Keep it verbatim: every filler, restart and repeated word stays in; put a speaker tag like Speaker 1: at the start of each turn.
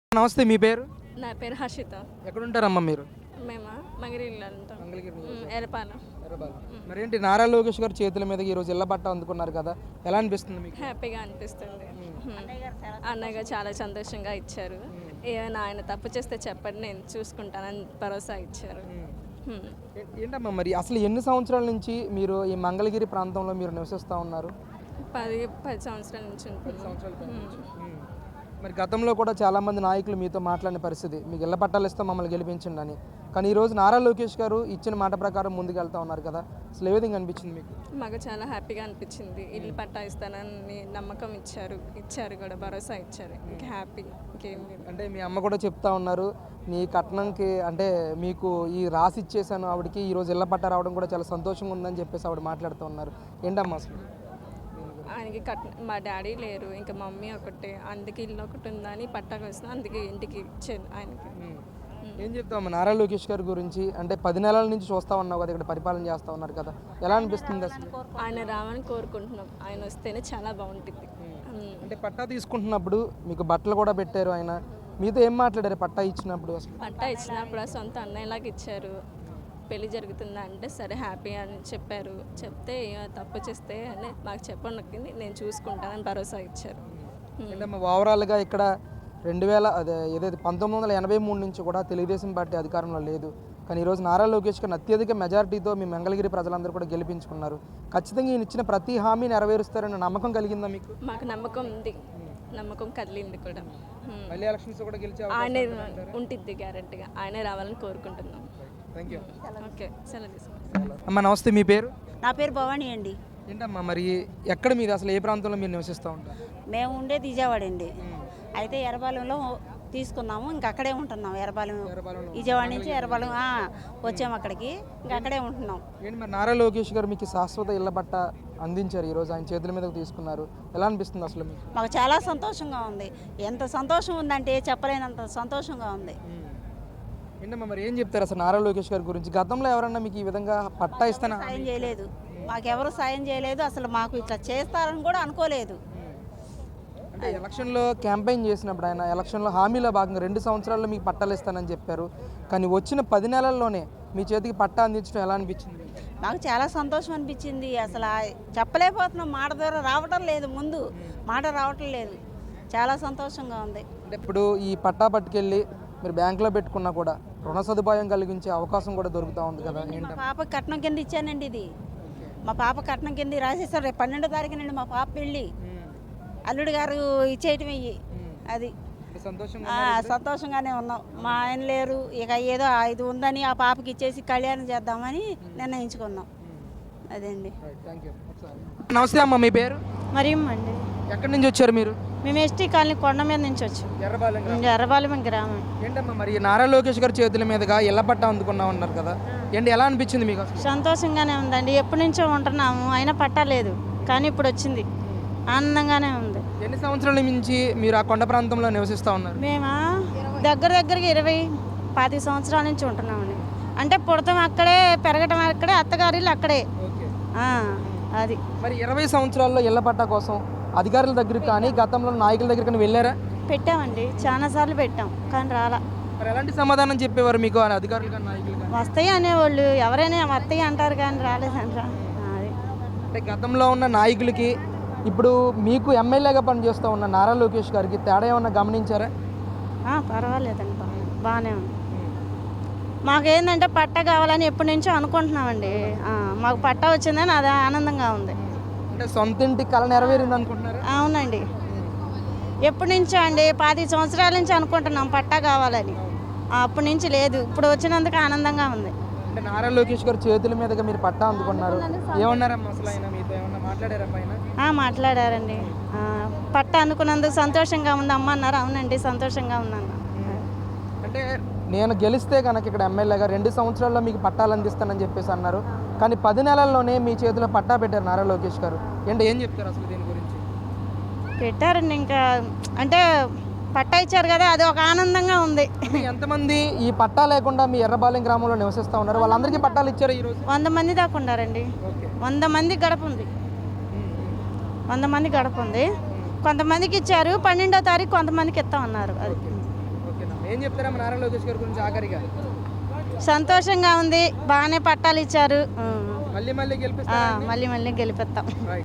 Speaker 1: నమస్తే, మీ పేరు?
Speaker 2: నా పేరు హర్షిత.
Speaker 1: ఎక్కడ ఉంటారమ్మా మీరు?
Speaker 2: మేమా మంగళగిరిలో ఉంటాం. ఎరపాలెం.
Speaker 1: మరేంటి నారా లోకేష్ గారి చేతుల మీదకి ఈరోజు ఇళ్ల పట్టా అందుకున్నారు కదా, ఎలా అనిపిస్తుంది మీకు?
Speaker 2: హ్యాపీగా అనిపిస్తుంది. అన్నయ్య చాలా సంతోషంగా ఇచ్చారు. ఏమైనా ఆయన తప్పు చేస్తే చెప్పండి, నేను చూసుకుంటానని భరోసా ఇచ్చారు.
Speaker 1: ఏ- ఏంటమ్మా మరి అసలు ఎన్ని సంవత్సరాల నుంచి మీరు ఈ మంగళగిరి ప్రాంతంలో మీరు నివసిస్తూ ఉన్నారు?
Speaker 2: పది పది సంవత్సరాల నుంచి ఉంటున్నాం.
Speaker 1: ఉమ్. మరి గతంలో కూడా చాలామంది నాయకులు మీతో మాట్లాడిన పరిస్థితి, మీకు ఇళ్ల పట్టాలు ఇస్తాం మమ్మల్ని గెలిపించండి అని. కానీ ఈరోజు నారా లోకేష్ గారు ఇచ్చిన మాట ప్రకారం ముందుకు వెళ్తా ఉన్నారు కదా, అసలు ఏ విధంగా అనిపించింది మీకు?
Speaker 2: మాకు చాలా హ్యాపీగా అనిపించింది. ఇల్లు పట్టా ఇస్తానని నమ్మకం ఇచ్చారు ఇచ్చారు కూడా భరోసా ఇచ్చారు. ఇంకా హ్యాపీ, ఇంకేం లేదు.
Speaker 1: అంటే మీ అమ్మ కూడా చెప్తా ఉన్నారు, మీ కట్నంకి అంటే మీకు ఈ రాసి ఇచ్చేసాను ఆవిడకి, ఈరోజు ఇళ్ల పట్టా రావడం కూడా చాలా సంతోషంగా ఉందని చెప్పేసి ఆవిడ మాట్లాడుతూ ఉన్నారు. ఏంటమ్మా అసలు?
Speaker 2: ఆయనకి కట్ మా డాడీ లేరు, ఇంకా మమ్మీ ఒకటే, అందుకే ఇల్లు ఒకటి ఉందని పట్టాకు వస్తున్నా, అందుకే ఇంటికి ఇచ్చాను ఆయనకి.
Speaker 1: ఏం చెప్తామా నారా లోకేష్ గారి గురించి? అంటే పది నెలల నుంచి చూస్తా ఉన్నావు కదా, ఇక్కడ పరిపాలన చేస్తూ ఉన్నారు కదా, ఎలా అనిపిస్తుంది అసలు?
Speaker 2: ఆయన రావాలని కోరుకుంటున్నాం. ఆయన వస్తేనే చాలా బాగుంటుంది.
Speaker 1: అంటే పట్టా తీసుకుంటున్నప్పుడు మీకు బట్టలు కూడా పెట్టారు ఆయన, మీతో ఏం మాట్లాడారు పట్టా ఇచ్చినప్పుడు? అసలు
Speaker 2: పట్టా ఇచ్చినప్పుడు సొంత అన్నయ్యలాగా ఇచ్చారు. పెళ్లి జరుగుతుందా అంటే సరే హ్యాపీ అని చెప్పారు. చెప్తే తప్పు చేస్తే అని మాకు చెప్పండి, నేను చూసుకుంటానని భరోసా ఇచ్చారు.
Speaker 1: అంటే ఓవరాల్గా ఇక్కడ రెండు వేల అదే ఏదైతే పంతొమ్మిది వందల ఎనభై మూడు నుంచి కూడా తెలుగుదేశం పార్టీ అధికారంలో లేదు. కానీ ఈరోజు నారా లోకేష్ గారిని అత్యధిక మెజారిటీతో మీ మంగళగిరి ప్రజలందరూ కూడా గెలిపించుకున్నారు. ఖచ్చితంగా ఈయన ఇచ్చిన ప్రతి హామీ నెరవేరుస్తారన్న నమ్మకం కలిగిందా మీకు?
Speaker 2: మాకు నమ్మకం ఉంది, నమ్మకం కదిలింది కూడా.
Speaker 1: మళ్ళీ ఎలక్షన్స్ కూడా గెలిచే
Speaker 2: ఆయనే ఉంటుంది గ్యారెంటీగా. ఆయనే రావాలని కోరుకుంటున్నాం.
Speaker 1: Thank you.
Speaker 2: ఓకే, సెలవు తీసుకుంటాం.
Speaker 1: అమ్మ నమస్తే, మీ పేరు?
Speaker 3: నా పేరు భవానీ అండి.
Speaker 1: ఏంటమ్మా మరి ఎక్కడ మీరు అసలు ఏ ప్రాంతంలో మీరు నివసిస్తూ ఉంటారు?
Speaker 3: మేము ఉండేది విజయవాడ అండి. అయితే ఎర్రబాలెంలో తీసుకున్నాము, ఇంక అక్కడే ఉంటున్నాం. ఎర్రబాలెం విజయవాడ నుంచి ఎర్రబాలెం ఆ, వచ్చాము అక్కడికి, ఇంక అక్కడే ఉంటున్నాం.
Speaker 1: ఏంటి మరి నారా లోకేష్ గారు మీకు శాశ్వత ఇళ్ల పట్ట అందించారు, ఈరోజు ఆయన చేతుల మీదకు తీసుకున్నారు, ఎలా అనిపిస్తుంది అసలు మీకు?
Speaker 3: మాకు చాలా సంతోషంగా ఉంది. ఎంత సంతోషం ఉందంటే చెప్పలేనంత సంతోషంగా ఉంది.
Speaker 1: ఏంటమ్మా మరి ఏం చెప్తారు అసలు నారా లోకేష్ గారి గురించి? గతంలో ఎవరన్నా మీకు ఈ విధంగా పట్టా ఇస్తానా?
Speaker 3: సాయం చేయలేదు, మాకెవరు సాయం చేయలేదు. అసలు మాకు ఇట్లా చేస్తారని కూడా అనుకోలేదు.
Speaker 1: అంటే ఎలక్షన్లో క్యాంపెయిన్ చేసినప్పుడు ఆయన ఎలక్షన్లో హామీలో భాగంగా రెండు సంవత్సరాల్లో మీకు పట్టాలు ఇస్తానని చెప్పారు. కానీ వచ్చిన పది నెలల్లోనే మీ చేతికి పట్టా అందించడం ఎలా అనిపించింది?
Speaker 3: నాకు చాలా సంతోషం అనిపించింది. అసలు ఆ చెప్పలేకపోతున్నాం, మాట ద్వారా రావటం లేదు, ముందు మాట రావటం లేదు. చాలా సంతోషంగా ఉంది.
Speaker 1: అంటే ఇప్పుడు ఈ పట్టా పట్టుకెళ్ళి మీరు బ్యాంకులో పెట్టుకున్నా కూడా రుణ సదుపాయం కలిగించే అవకాశం కూడా దొరుకుతూ ఉంది కదా,
Speaker 3: మా
Speaker 1: ఏంటంటే
Speaker 3: పాప కట్నం కింద ఇచ్చానండి. ఇది మా పాప కట్నం కింద రాసేస్తారు. రేపు పన్నెండో తారీఖునండి మా పాప పెళ్ళి. అల్లుడు గారు ఇచ్చేయటం ఇయ్యి. అది
Speaker 1: సంతోషం.
Speaker 3: ఆ, సంతోషంగానే ఉన్నాం. మా ఆయన లేరు, ఇక ఏదో ఇది ఉందని ఆ పాపకి ఇచ్చేసి కళ్యాణం చేద్దామని నిర్ణయించుకున్నాం. అదండి.
Speaker 1: నమస్తే అమ్మ, మీ పేరు?
Speaker 4: మరియమ్మ అండి.
Speaker 1: ఎక్కడి నుంచి వచ్చారు మీరు?
Speaker 4: మేము ఎస్టీ కాలనీ కొండ మీద నుంచి వచ్చాం.
Speaker 1: ఎర్రబాలెం.
Speaker 4: ఎర్రబాలెం గ్రామం.
Speaker 1: ఏంటమ్మా మరి నారా లోకేష్ గారి చేతుల మీదుగా ఇళ్ల పట్టా అందుకున్నా ఉన్నారు కదా, ఏంటి ఎలా అనిపించింది మీకు అసలు?
Speaker 4: సంతోషంగానే ఉందండి. ఎప్పటి నుంచో ఉంటున్నాము, అయినా పట్టలేదు, కానీ ఇప్పుడు వచ్చింది. ఆనందంగానే ఉంది.
Speaker 1: ఎన్ని సంవత్సరాల నుంచి మీరు ఆ కొండ ప్రాంతంలో నివసిస్తూ ఉన్నారు?
Speaker 4: మేము దగ్గర దగ్గరగా ఇరవై పది సంవత్సరాల నుంచి ఉంటున్నామండి. అంటే పుడతాం అక్కడే, పెరగటం అక్కడే, అత్తగారిల్లు అక్కడే. ఆ, అది
Speaker 1: మరి ఇరవై సంవత్సరాల్లో ఇళ్ల పట్టా కోసం అధికారుల దగ్గరికి కానీ గతంలో నాయకుల దగ్గర కానీ వెళ్ళారా?
Speaker 4: పెట్టామండి, చాలాసార్లు పెట్టాం, కానీ రాలా.
Speaker 1: మరి ఎలాంటి సమాధానం చెప్పేవారు మీకు ఆ అధికారులు కానీ నాయకులు కానీ?
Speaker 4: వస్తాయి అనేవాళ్ళు, ఎవరైనా వస్తాయి అంటారు, కానీ రాలేదంటారా. అది
Speaker 1: అంటే గతంలో ఉన్న నాయకులకి ఇప్పుడు మీకు ఎమ్మెల్యేగా పనిచేస్తూ ఉన్న నారా లోకేష్ గారికి తేడా ఏమన్నా గమనించారా?
Speaker 4: పర్వాలేదండి, బాగా బాగానే ఉంది. మాకేంటంటే పట్టా కావాలని ఎప్పటి నుంచో అనుకుంటున్నామండి. మాకు పట్టా వచ్చిందని అది ఆనందంగా ఉంది.
Speaker 1: అంటే సొంత ఇంటి కళ నెరవేరింది అనుకుంటున్నారా?
Speaker 4: అవునండి, ఎప్పటి నుంచో అండి, పది సంవత్సరాల నుంచి అనుకుంటున్నాం పట్టా కావాలని. అప్పటి నుంచి లేదు, ఇప్పుడు వచ్చినందుకు ఆనందంగా ఉంది.
Speaker 1: అంటే నారా లోకేష్ గారు చేతుల మీదుగా మీరు పట్టా అందుకున్నారు, ఏమన్నారమ్మా అసలు ఆయన మీతో ఏమన్నా మాట్లాడారా పైన?
Speaker 4: మాట్లాడారండి. పట్టా అందుకున్నందుకు సంతోషంగా ఉంది అమ్మ అన్నారు. అవునండి, సంతోషంగా ఉన్నాను.
Speaker 1: అంటే నేను గెలిస్తే కనుక ఇక్కడ ఎమ్మెల్యేగా రెండు సంవత్సరాల్లో మీకు పట్టాలు అందిస్తానని చెప్పేసి అన్నారు. కానీ పది నెలల్లోనే మీ చేతిలో పట్టా పెట్టారు నారా లోకేష్ గారు. ఏంటి ఏం చెప్తారు అసలు దీని గురించి?
Speaker 4: పెట్టారండి, ఇంకా అంటే పట్టా ఇచ్చారు కదా, అది ఒక ఆనందంగా ఉంది.
Speaker 1: ఎంతమంది ఈ పట్టా లేకుండా మీ ఎర్రబాలెం గ్రామంలో నివసిస్తూ ఉన్నారు? వాళ్ళందరికీ పట్టాలు ఇచ్చారు ఈరోజు?
Speaker 4: వంద మంది దాకా ఉన్నారండి. వంద మంది గడప ఉంది, వంద మంది గడప ఉంది. కొంతమందికి ఇచ్చారు, పన్నెండో తారీఖు కొంతమందికి ఇస్తామన్నారు. అది
Speaker 1: ఏం చెప్తారమ్మా నారా లోకేష్ గారి గురించి ఆఖరిగా?
Speaker 4: సంతోషంగా ఉంది, బాగానే పట్టాలు ఇచ్చారు.
Speaker 1: మళ్ళీ మళ్ళీ
Speaker 4: ఆ,
Speaker 1: గెలిపిస్తారా?
Speaker 4: మళ్ళీ మళ్ళీ గెలిపిస్తాం.
Speaker 1: రైట్.